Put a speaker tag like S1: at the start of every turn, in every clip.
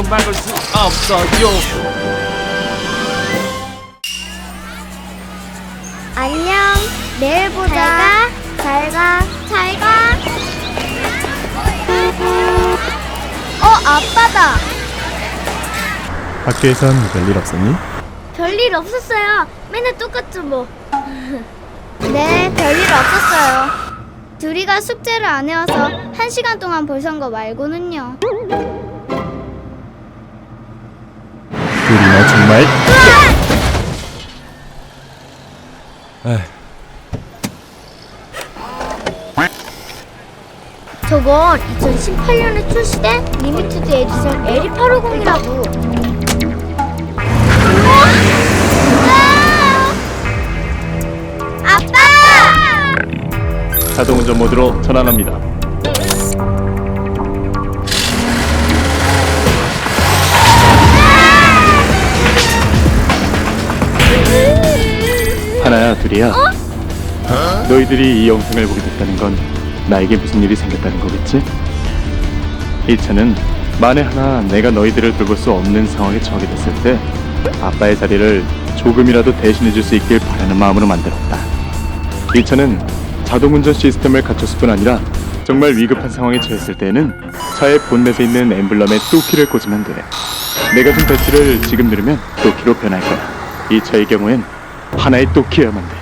S1: 막을 수 없어요.
S2: 안녕. 내일 보자. 잘 가. 잘 가. 아빠다.
S3: 학교에선 별일 없었니?
S2: 별일 없었어요. 맨날 똑같죠 뭐. 네, 별일 없었어요. 둘이가 숙제를 안 해와서 1시간 동안 볼 선 거 말고는요.
S3: 둘이나 정말. 에휴,
S2: 저건 2018년에 출시된 리미티드 에디션 LE850이라고. 아빠!
S3: 자동운전 모드로 전환합니다. 하나야, 둘이야. 너희들이 이 영상을 보게 됐다는 건 나에게 무슨 일이 생겼다는 거겠지? 이 차는 만에 하나 내가 너희들을 돌볼 수 없는 상황에 처하게 됐을 때 아빠의 자리를 조금이라도 대신해 줄 수 있길 바라는 마음으로 만들었다. 이 차는 자동운전 시스템을 갖췄을 뿐 아니라 정말 위급한 상황에 처했을 때에는 차의 본넷에 있는 엠블럼에 또키를 꽂으면 돼. 내가 준 배치를 지금 누르면 또키로 변할 거야. 이 차의 경우엔 하나의 또키여야만 돼.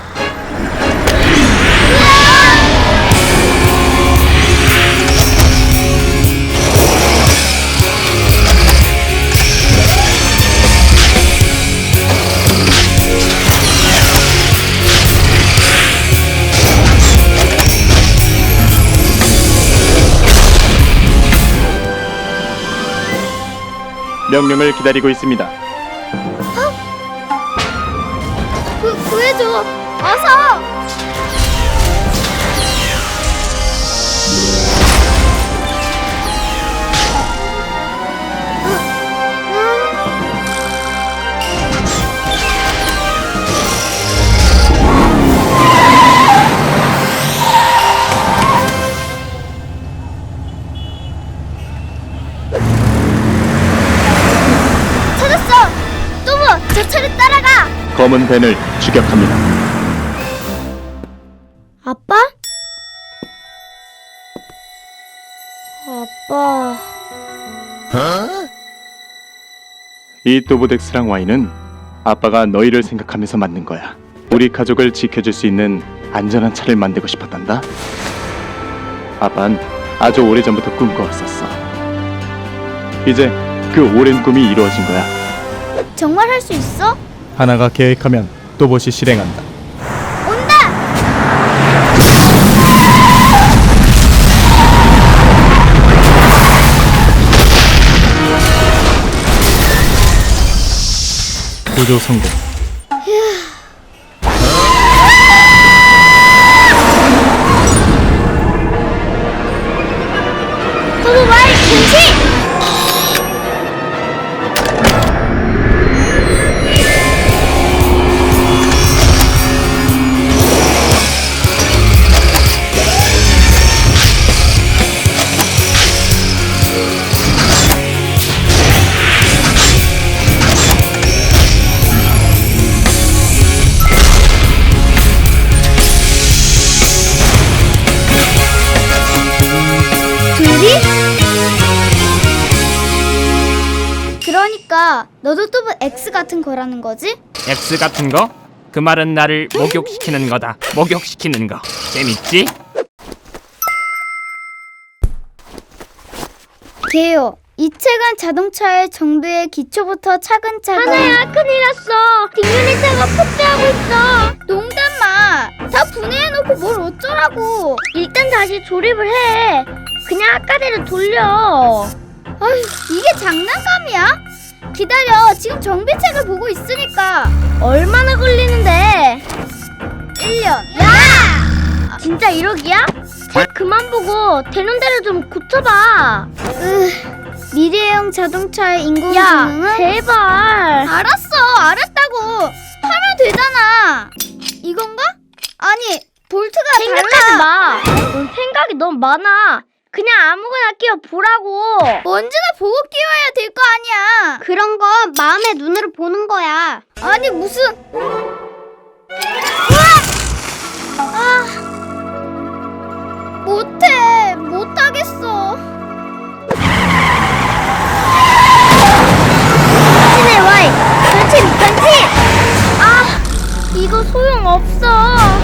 S3: 명령을 기다리고 있습니다.
S2: 구해줘. 어서. 찾았어. 또모, 저 차를 따라가.
S3: 검은 밴을 추격합니다.
S2: 아빠? 아빠.
S3: 이 또보덱스랑 와인은 아빠가 너희를 생각하면서 만든 거야. 우리 가족을 지켜줄 수 있는 안전한 차를 만들고 싶었단다. 아빠는 아주 오래전부터 꿈꿔왔었어. 이제 그 오랜 꿈이 이루어진 거야.
S2: 정말 할 수 있어?
S3: 하나가 계획하면 또봇이 실행한다.
S2: 온다!
S3: 구조 성공.
S2: 또모 와인 금지! 그러니까 너도 또보 X 같은 거라는 거지?
S1: X 같은 거? 그 말은 나를 목욕시키는 거다. 목욕시키는 거. 재밌지?
S2: 개요. 이 책은 자동차의 정비의 기초부터 차근차근. 하나야, 큰일 났어. 뒷유리차가 폭주하고 있어. 농담 마. 다 분해해놓고 뭘 어쩌라고. 일단 다시 조립을 해. 그냥 아까대로 돌려. 아휴, 이게 장난감이야? 기다려. 지금 정비책을 보고 있으니까. 얼마나 걸리는데? 1년. 야! 진짜 1억이야? 책 그만 보고 되는 대로 좀 고쳐봐. 미래형 자동차의 인공지능은? 야, 제발. 알았다고. 하면 되잖아. 이건가? 아니, 볼트가
S4: 생각하지 마. 넌 생각이 너무 많아.
S2: 그냥 아무거나 끼워 보라고. 언제나 보고 끼워야 될 거 아니야. 그런 건 마음의 눈으로 보는 거야. 아니 무슨... 못하겠어. 신의 와이, 편집. 이거 소용없어.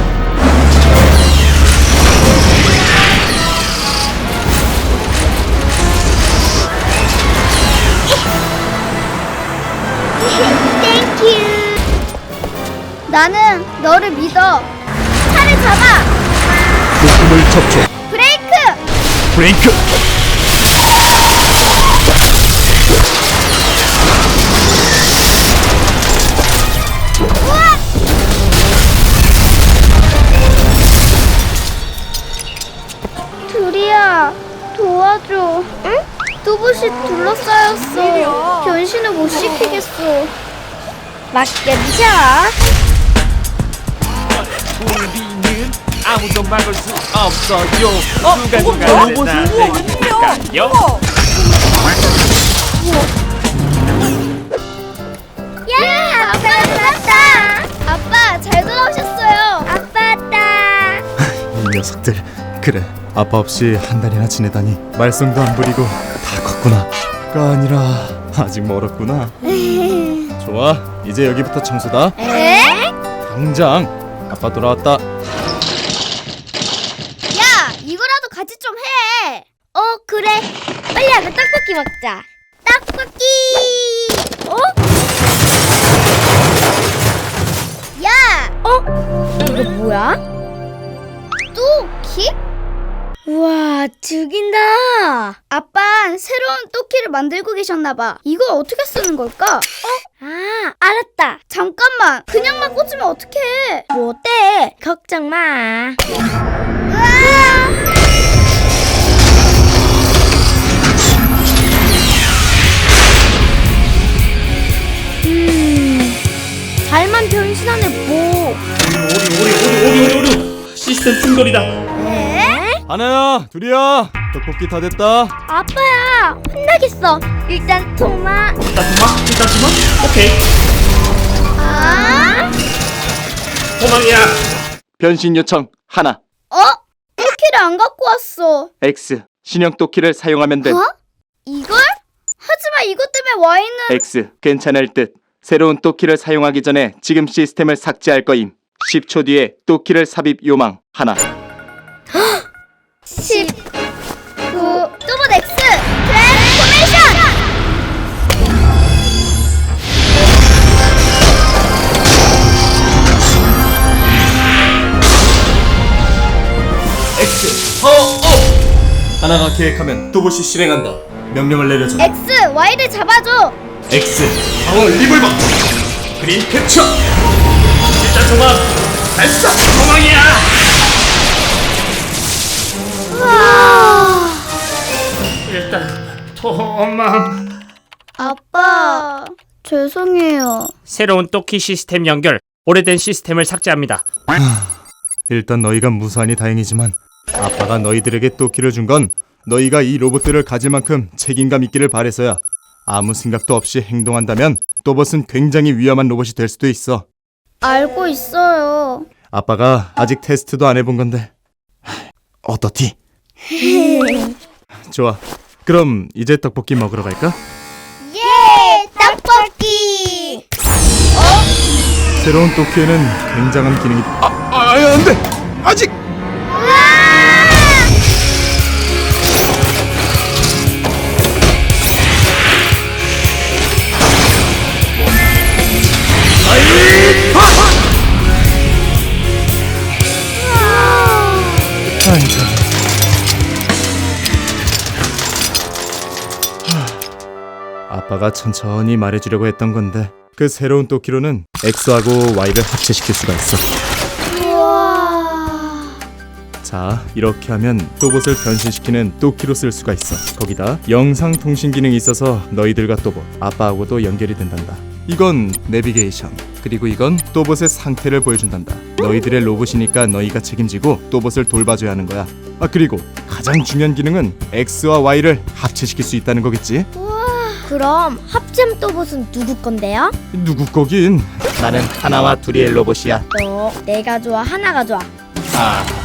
S2: 땡큐. 나는 너를 믿어. 차를 잡아.
S3: 목숨을 접촉. 브레이크.
S2: 둘이야, 도와줘. 응? 또봇이 둘러싸였어. 변신을 못 시키겠어. 맡겨주자.
S1: 우리는 아무도 막을 수 없어요.
S4: 로봇이
S1: 순간순간요.
S2: 야, 아빠 돌아왔다. 아빠 잘 돌아오셨어요. 아빠 왔다.
S3: 이 녀석들. 그래, 아빠 없이 한 달이나 지내다니 말썽도 안 부리고 다 컸구나. 가 아니라 아직 멀었구나. 좋아, 이제 여기부터 청소다.
S2: 에?
S3: 당장. 아빠 돌아왔다.
S2: 야, 이거라도 같이 좀 해. 그래. 빨리 와서 떡볶이 먹자. 떡볶이. 야. 이거 뭐야? 또키? 우와, 죽인다. 아빠 새로운 또키를 만들고 계셨나봐. 이거 어떻게 쓰는 걸까? 알았다. 잠깐만, 그냥만 꽂으면 어떡해. 뭐 어때? 걱정 마. 잘만 변신하네 뭐.
S1: 오리. 시스템 충돌이다.
S3: 하나야, 둘이야. 떡볶이 다 됐다.
S2: 아빠야, 혼나겠어. 일단 토마.
S1: 일단 주마. 오케이. 도망이야.
S3: 변신 요청 하나.
S2: 또키를 안 갖고 왔어.
S3: X. 신형 또키를 사용하면 돼.
S2: 이걸? 하지만 이것 때문에 Y는...
S3: X. 괜찮을 듯. 새로운 또키를 사용하기 전에 지금 시스템을 삭제할 거임. 10초 뒤에 또키를 삽입 요망 하나.
S2: 10 9 또봇 X 트랜스포메이션.
S3: X. 하나가 계획하면 또봇이 실행한다. 명령을 내려줘.
S2: X Y를 잡아줘.
S3: X. 방어 리볼버. 그린 캡처.
S1: 일단 도망. 발사. 도망이야. 일단 도망.
S2: 아빠 죄송해요.
S1: 새로운 또키 시스템 연결. 오래된 시스템을 삭제합니다.
S3: 일단 너희가 무사하니 다행이지만 아빠가 너희들에게 또키를 준 건 너희가 이 로봇들을 가질 만큼 책임감 있기를 바래서야. 아무 생각도 없이 행동한다면 또봇은 굉장히 위험한 로봇이 될 수도 있어.
S2: 알고 있어요.
S3: 아빠가 아직 테스트도 안 해본 건데. 어떻디? 좋아. 그럼 이제 떡볶이 먹으러 갈까?
S2: 예, 떡볶이.
S3: 새로운 또키에는 굉장한 기능이... 안 돼! 아직! 아빠가 천천히 말해주려고 했던 건데 그 새로운 또키로는 X하고 Y를 합체시킬 수가 있어.
S2: 우와.
S3: 자, 이렇게 하면 또봇을 변신시키는 또키로 쓸 수가 있어. 거기다 영상통신 기능이 있어서 너희들과 또봇, 아빠하고도 연결이 된단다. 이건 내비게이션, 그리고 이건 또봇의 상태를 보여준단다. 너희들의 로봇이니까 너희가 책임지고 또봇을 돌봐줘야 하는 거야. 그리고 가장
S5: 가장 중요한 기능은 X와 Y를 합체시킬 수 있다는 거겠지?
S2: 그럼 합잼 또봇은 누구 건데요?
S5: 누구 거긴?
S4: 나는 하나와 둘의 로봇이야.
S2: 너 내가 좋아 하나가 좋아?
S4: 아,